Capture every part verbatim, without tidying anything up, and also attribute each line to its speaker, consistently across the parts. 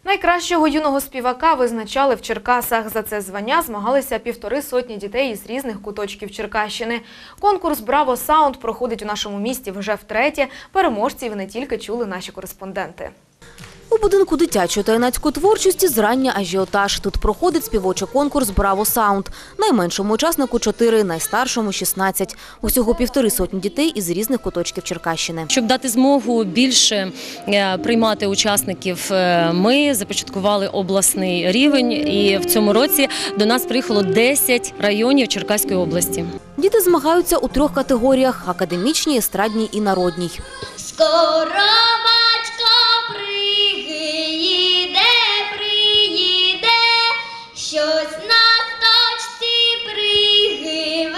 Speaker 1: Найкращого юного співака визначали в Черкасах. За це звання змагалися півтори сотні дітей із різних куточків Черкащини. Конкурс «Браво Саунд» проходить у нашому місті вже втретє. Переможців не тільки чули наші кореспонденти.
Speaker 2: У будинку дитячої та юнацької творчості зрання ажіотаж. Тут проходить співочий конкурс «Браво Саунд». Найменшому учаснику – чотири, найстаршому – шістнадцять. Усього півтори сотні дітей із різних куточків Черкащини.
Speaker 3: Щоб дати змогу більше приймати учасників, ми започаткували обласний рівень. І в цьому році до нас приїхало десять районів Черкаської області.
Speaker 2: Діти змагаються у трьох категоріях – академічній, естрадній і народній.
Speaker 4: Скоро батько приїде, приїде, щось на точці привезе,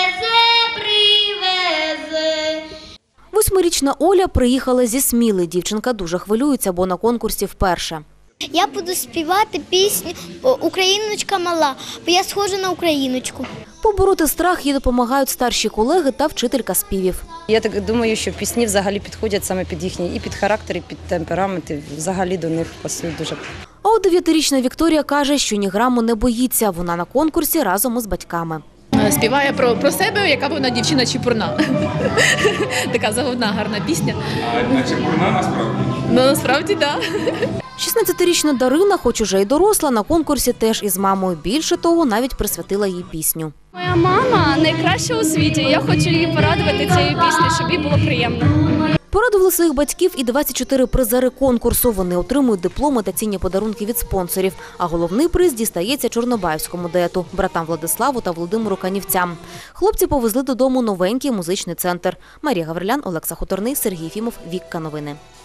Speaker 4: привезе.
Speaker 2: Восьмирічна Оля приїхала зі Сміли. Дівчинка дуже хвилюється, бо на конкурсі вперше.
Speaker 4: Я буду співати пісню «Україночка мала», бо я схожа на україночку.
Speaker 2: Побороти страх їй допомагають старші колеги та вчителька співів.
Speaker 5: Я так думаю, що пісні взагалі підходять саме під їхні і під характер, і під темперамент, і взагалі до них пасують дуже.
Speaker 2: А от дев'ятирічна Вікторія каже, що ні граму не боїться. Вона на конкурсі разом із батьками.
Speaker 6: Співає про, про себе, яка вона дівчина чепурна. Така заводна, гарна пісня.
Speaker 7: А чепурна насправді?
Speaker 6: Ну, насправді, так.
Speaker 2: шістнадцятирічна Дарина, хоч уже й доросла, на конкурсі теж із мамою. Більше того, навіть присвятила їй пісню.
Speaker 8: Моя мама найкраща у світі. Я хочу її порадувати цією піснею, щоб їй було приємно.
Speaker 2: Порадували своїх батьків і двадцять чотири призери конкурсу. Вони отримують дипломи та цінні подарунки від спонсорів. А головний приз дістається чорнобаївському дуету – братам Владиславу та Володимиру Канівцям. Хлопці повезли додому новенький музичний центр. Марія Гаврилян, Олекса Хуторний, Сергій Фімов, Вікка Новини.